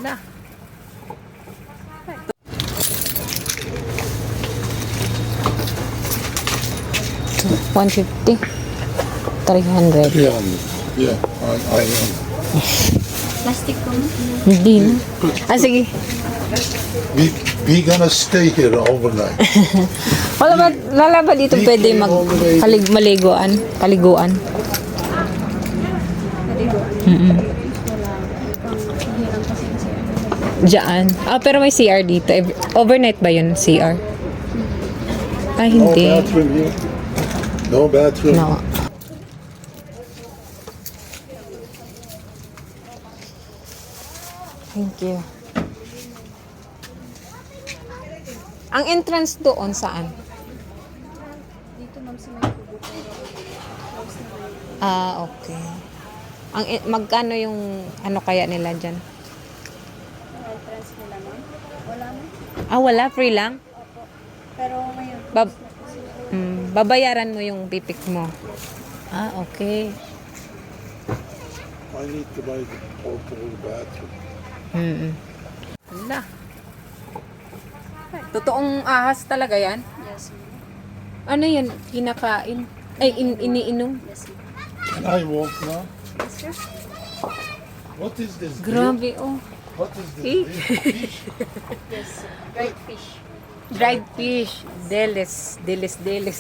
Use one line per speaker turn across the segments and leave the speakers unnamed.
Na. 150. 300.
Yeah, yeah, I am.
Plastic ko mo.
Hindi na. Ah, sige.
We gonna stay here overnight.
Wala ba dito pwede maliguan? Kaliguan? Diyan. Ah, pero may CR dito. Overnight ba yun, CR? Ah,
No
hindi.
bathroom here. No bathroom.
No. Thank you. Ang entrance doon saan?
Dito ma'am sa may kubo pero close na rin.
Ah, okay. Magkano yung ano kaya nila dyan?
Yung entrance nila ma'am. Wala na.
Ah, wala? Free lang?
Opo. Pero ngayon,
Bab-
close na po sila.
Babayaran mo yung pipik mo. Ah, okay.
I need to buy the portable bathroom.
Wala. Totoong ahas talaga yan?
Yes ma'am.
Ano yan? Kinakain? Ay, iniinom?
Yes ma'am.
Can I walk now?
Yes sir.
What is this?
Grabe, oh.
What is this?
Eh.
Fish?
Yes sir. Dried fish.
Dried fish. Delis.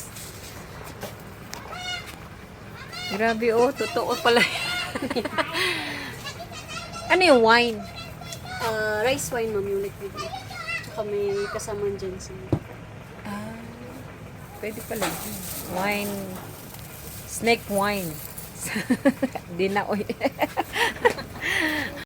Grabe, oh. Totoo pala yan. Ano yung wine?
Rice wine ma'am yung liquid. Tsaka may kasama dyan sa
Ah, pwede pala. Wine. Snake wine. Di na, oy.